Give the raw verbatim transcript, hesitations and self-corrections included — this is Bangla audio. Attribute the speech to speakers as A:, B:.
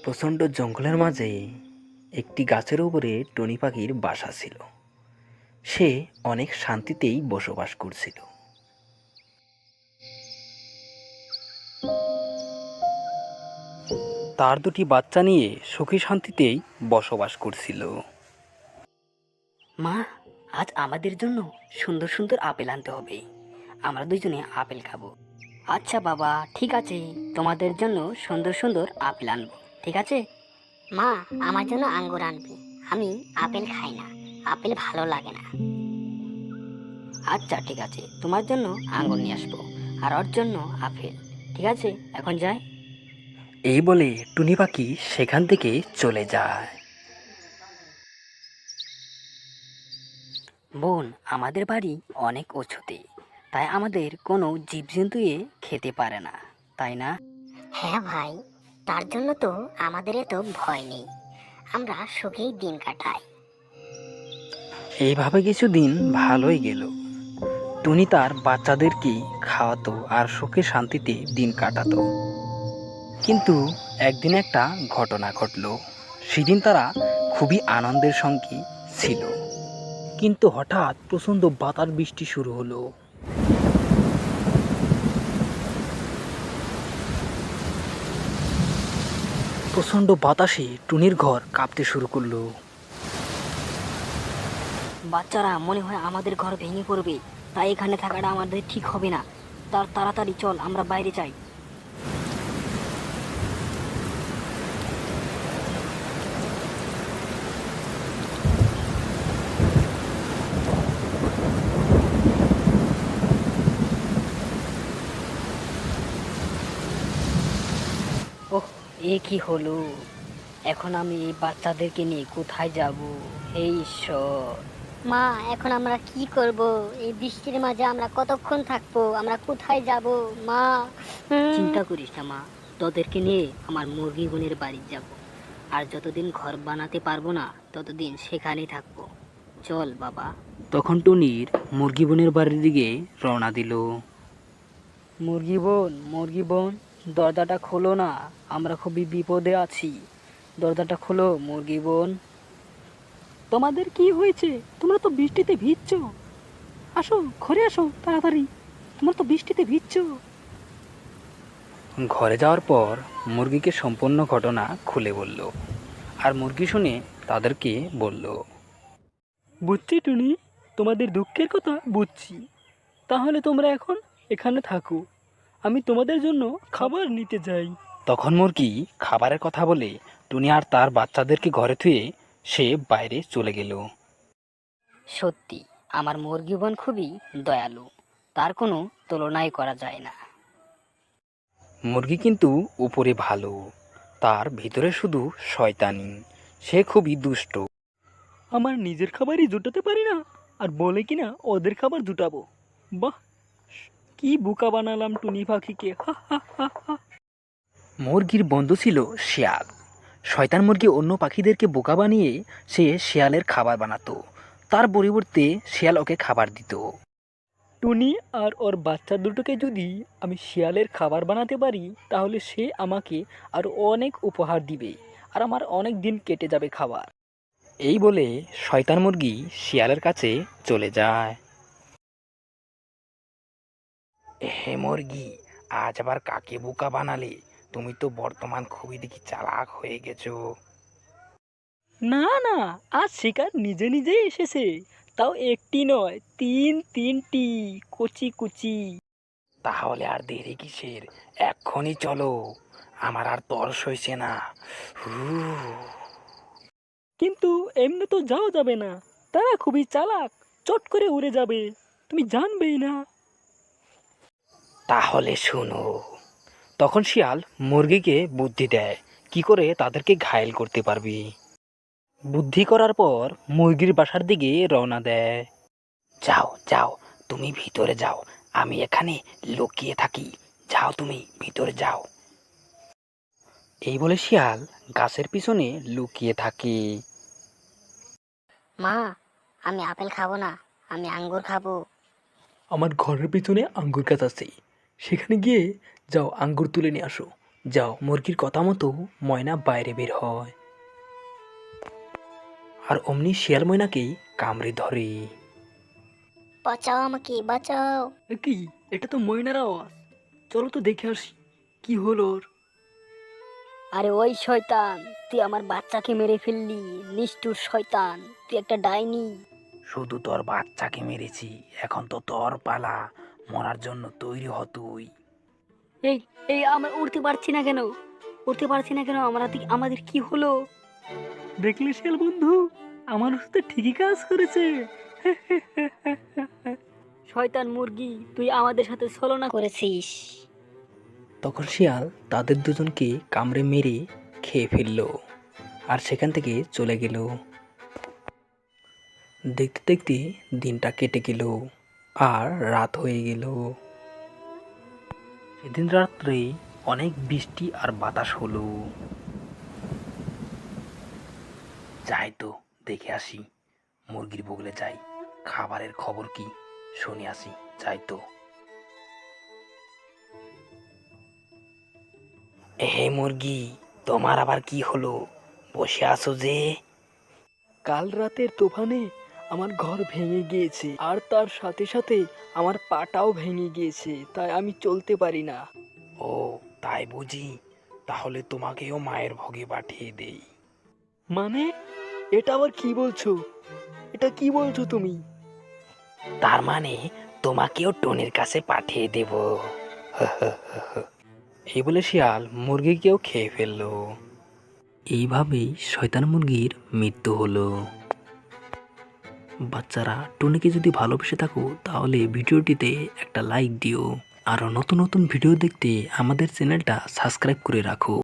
A: প্রচণ্ড জঙ্গলের মাঝে একটি গাছের উপরে টুনি পাখির বাসা ছিল। সে অনেক শান্তিতেই বসবাস করছিল। তার দুটি বাচ্চা নিয়ে সুখী শান্তিতেই বসবাস করছিল।
B: মা, আজ আমাদের জন্য সুন্দর সুন্দর আপেল আনতে হবে। আমরা দুজনে আপেল খাবো। আচ্ছা বাবা, ঠিক আছে, তোমাদের জন্য সুন্দর সুন্দর আপেল আনবো, ঠিক আছে?
C: মা, আমার জন্য আঙ্গুর আনবি। আমি আপেল খাই না, আপেল ভালো লাগে না।
B: আচ্ছা ঠিক আছে, তোমার জন্য আঙ্গুর নিয়ে আসবো আর ওর জন্য আপেল। ঠিক আছে, এখন যাই।
A: এই বলে টুনি পাখি সেখান থেকে চলে যায়।
B: বোন, আমাদের বাড়ি অনেক উঁচুতে, তাই আমাদের কোনো জীবজন্তু এ খেতে পারে না, তাই না?
C: হ্যাঁ ভাই, তার জন্য তো আমাদের এত ভয় নেই, আমরা সুখেই দিন কাটাই।
A: এইভাবে কিছুদিন ভালোই গেল। টুনি তার বাচ্চাদেরকে খাওয়াতো আর সুখে শান্তিতে দিন কাটাতো। কিন্তু একদিন একটা ঘটনা ঘটল। সেদিন তারা খুবই আনন্দের সঙ্গে ছিল, কিন্তু হঠাৎ প্রচণ্ড বাতাস বৃষ্টি শুরু হলো। প্রচণ্ড বাতাসে টুনির ঘর কাঁপতে শুরু করলো।
B: বাচ্চারা, মনে হয় আমাদের ঘর ভেঙে পড়বে, তাই এখানে থাকাটা আমাদের ঠিক হবে না। তার তাড়াতাড়ি চল, আমরা বাইরে যাই। ওহ, এ কি হলো! এখন আমি এই বাচ্চাদেরকে নিয়ে কোথায় যাব? হে ঈশ্বর!
C: মা, এখন আমরা কি করব? এই বৃষ্টির মাঝে আমরা কতক্ষণ থাকবো? আমরা কোথায় যাব মা? হুম।
B: চিন্তা করিস না মা, তোদেরকে নিয়ে আমার মুরগি বোনের বাড়ি যাব। আর যতদিন ঘর বানাতে পারবো না ততদিন সেখানেই থাকবো। চল বাবা।
A: তখন টুনির মুরগি বোনের বাড়ির দিকে রওনা দিল।
B: মুরগি বোন, মুরগি বোন, দরজাটা খোলো না, আমরা খুবই বিপদে আছি। দরজাটা খোলো মুরগি বোন। তোমাদের কি হয়েছে? তোমরা তো বৃষ্টিতে ভিজছো। আসো, ঘরে আসো তাড়াতাড়ি, তোমরা তো বৃষ্টিতে ভিজছো।
A: ঘরে যাওয়ার পর মুরগিকে সম্পূর্ণ ঘটনা খুলে বলল। আর মুরগি শুনে তাদেরকে বলল,
B: বুঝছি টুনি, তোমাদের দুঃখের কথা বুঝছি। তাহলে তোমরা এখন এখানে থাকো, আমি তোমাদের জন্য খাবার নিতে যাই।
A: তখন মুরগি খাবারের কথা বলে টুনি আর তার বাচ্চাদেরকে ঘরে থুয়ে সে বাইরে চলে গেল।
B: সত্যি, আমার মুরগি বোন খুবই দয়ালু, তার কোনো তুলনাই করা যায় না।
A: মুরগি কিন্তু উপরে ভালো, তার ভিতরে শুধু শয়তানি। সে খুবই দুষ্ট।
B: আমার নিজের খাবারই জুটাতে পারি না, আর বলে কিনা ওদের খাবার জুটাবো। বাহ, কি বোকা বানালাম টুনি পাখিকে! হা হা হা হা।
A: মুরগির বন্ধু ছিল শিয়াল। শয়তান মুরগি অন্য পাখিদেরকে বোকা বানিয়ে সে শিয়ালের খাবার বানাতো। তার পরিবর্তে শিয়াল ওকে খাবার দিত।
B: টুনি আর ওর বাচ্চা দুটোকে যদি আমি শিয়ালের খাবার বানাতে পারি, তাহলে সে আমাকে আর অনেক উপহার দিবে, আর আমার অনেক দিন কেটে যাবে খাবার।
A: এই বলে শয়তান মুরগি শিয়ালের কাছে চলে যায়। হে মুরগি, আজ আবার কাকে বোকা বানালে? তুমি তো বর্তমান খুবই দেখি চালাক হয়ে গেছো।
B: না না, আজ শিকার নিজে নিজেই এসেছে, তাও একটি নয়, তিন তিনটি কচি কুচি।
A: তাহলে আর দেরি কিসের? এক্ষুনি চলো, আমার আর তর সইছে না। হু।
B: কিন্তু এমনি তো যাওয়া যাবে না, তারা খুবই চালাক, চট করে উড়ে যাবে, তুমি জানবেই না।
A: তাহলে শোনো। তখন শিয়াল মুরগিকে বুদ্ধি দেয় কি করে তাদেরকে ঘায়েল করতে পারবি। বুদ্ধি করার পর মুরগির বাসার দিকে রওনা দেয়। যাও যাও, তুমি ভিতরে যাও, আমি এখানে লুকিয়ে থাকি। যাও, তুমি ভিতরে যাও। এই বলে শিয়াল গাছের পিছনে লুকিয়ে থাকে।
C: মা, আমি আপেল খাবো না, আমি আঙ্গুর খাবো।
B: আমার ঘরের পিছনে আঙ্গুর গাছ আছে, সেখানে গিয়ে যাও আঙ্গুর তুলে নিয়ে আসো,
A: যাও, মুরগির কথা মতো ময়না বাইরে বের হয় আর অমনি শিয়াল ময়নাকে কামড়ে ধরে।
C: বাঁচাও আমাকে, বাঁচাও।
B: এ কি, এটা তো ময়নার আওয়াজ। চলো তো দেখে আসি কি হলো ওর। আরে ওই শয়তান, তুই আমার বাচ্চাকে মেরে ফেললি। নিষ্ঠুর শয়তান, তুই একটা ডাইনি।
A: শুধু তোর বাচ্চাকে মেরেছি, এখন তো তোর পালা, মরার জন্য তৈরি হ তুই।
B: এই এই আমরা উঠতে পারছি না কেন? উঠতে পারছি না কেন? আমরা আমাদের কি হলো? দেখলি শিয়াল বন্ধু, আমার সাথে ঠিকই কাজ করেছে। শয়তান মুরগি, তুই আমাদের সাথে ছলনা
C: করেছিস।
A: তখন শিয়াল তাদের দুজনকে কামড়ে মেরে খেয়ে ফেলল আর সেখান থেকে চলে গেল। দেখতে দেখতে দিনটা কেটে গেল আর রাত হয়ে গেল। সেদিন রাত্রে অনেক বৃষ্টি আর বাতাস হলো। যাই তো দেখে আসি, মুরগির বগলে যাই, খাবারের খবর কি শুনে আসি। যাই তো। হে মুরগি, তোমার আবার কি হলো? বসে আছো যে?
B: কাল রাতের তুফানে আমার ঘর ভেঙে গিয়েছে, আর তার সাথে সাথে আমার পাটাও ভেঙে গিয়েছে, তাই আমি চলতে পারি না।
A: ও তাই বুঝি, তাহলে তোমাকেও মায়ের ভোগে পাঠিয়ে দেই।
B: মানে, এটা আবার কি বলছো? এটা কি বলছো তুমি?
A: তার মানে তোমাকেও টনির কাছে পাঠিয়ে দেব। এই বলে শিয়াল মুরগিকেও খেয়ে ফেললো। এইভাবেই শয়তান মুরগির মৃত্যু হলো। বাচ্চারা, টনিকে যদি ভালোবেসে থাকো তাহলে ভিডিওটিতে একটা লাইক দিও। আরও নতুন নতুন ভিডিও দেখতে আমাদের চ্যানেলটা সাবস্ক্রাইব করে রাখো।